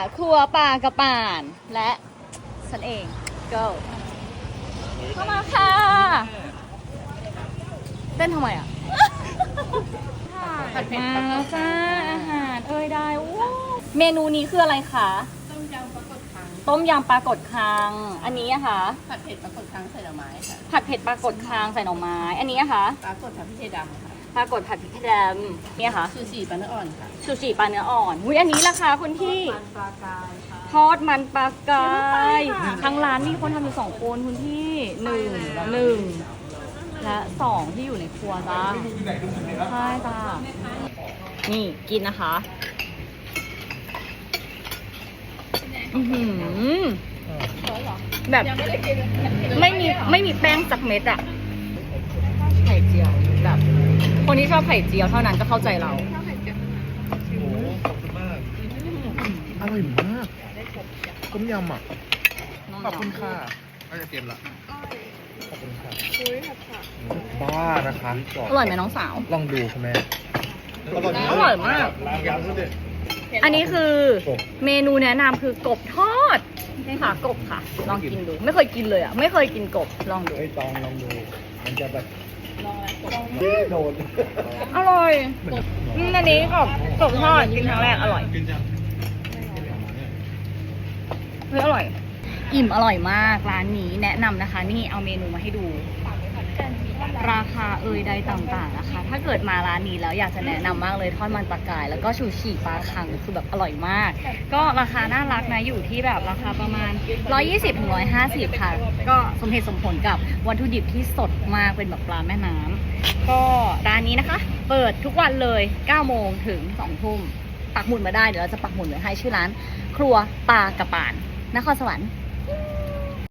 ครัวปลากระป่าน และฉันเอง go เข้ามาค่ะ เต้นทำไมอ่ะมาแล้วจ้าอาหารได้ว้าวเมนูนี้คืออะไรคะต้มยำปลากดคังต้มยำปลากดคางอันนี้อะคะผัดเผ็ดปลากดคังใส่หน่อไม้ค่ะผัดเผ็ดปลากดคางใส่หน่อไม้ อันนี้อะคะปลากดผัดพริกไทยดำค่ะปลากดผัดพริกแดงเนี่ยค่ะซูชิปลาเนื้ออ่อนค่ะซูชิปลาเนื้ออ่อนอุ้ยอันนี้ราคาคุณพี่มันปลากายค่ะทอดมันปลากายทางร้านมีคนทำอยู่2 คนคุณพี่หนึ่งและ2ที่อยู่ในครัวจ้าใช่จ้านี่กินนะคะแบบไม่มีแป้งสักเม็ดอะไข่เจียวแบบ คนที่ชอบไข่เจียวเท่านั้นก็เข้าใจเราโอ้ขอบคุณมาก อร่อยมากต้มยำอ่ะ ขอบคุณค่ะก็จะเตรียมละขอบคุณค่ะบ้านะคะอร่อยไหมน้องสาวลองดูคุณแม่อร่อยมาก อันนี้คือเมนูแนะนำคือกบทอดนี่ค่ะกบค่ะ ลองกินดู ไม่เคยกินเลยอ่ะ ไม่เคยกินกบ ลองดูไอ้ตองลองดู มันจะแบบโดนอร่อยอันนี้กบทอดกินครั้งแรกอร่อยเฮ้ยอร่อย อิ่มอร่อยมากร้านนี้แนะนำนะคะ นี่เอาเมนูมาให้ดู ราคาใดต่างๆนะคะ ถ้าเกิดมาร้านนี้แล้วอยากจะแนะนำมากเลยทอดมันปลากายแล้วก็ชูชีปลาคังคือแบบอร่อยมาก ก็ราคาน่ารักนะอยู่ที่แบบราคาประมาณ 120-150 ค่ะ ก็สมเหตุสมผลกับวัตถุดิบที่สดมากเป็นแบบปลาแม่น้ำก็ร้านนี้นะคะ เปิดทุกวันเลย 9 โมงถึง 2 ทุ่มปักหมุดมาได้เดี๋ยวเราจะปักหมุดไว้ให้ชื่อร้านครัวปลากระป่านนครสวรรค์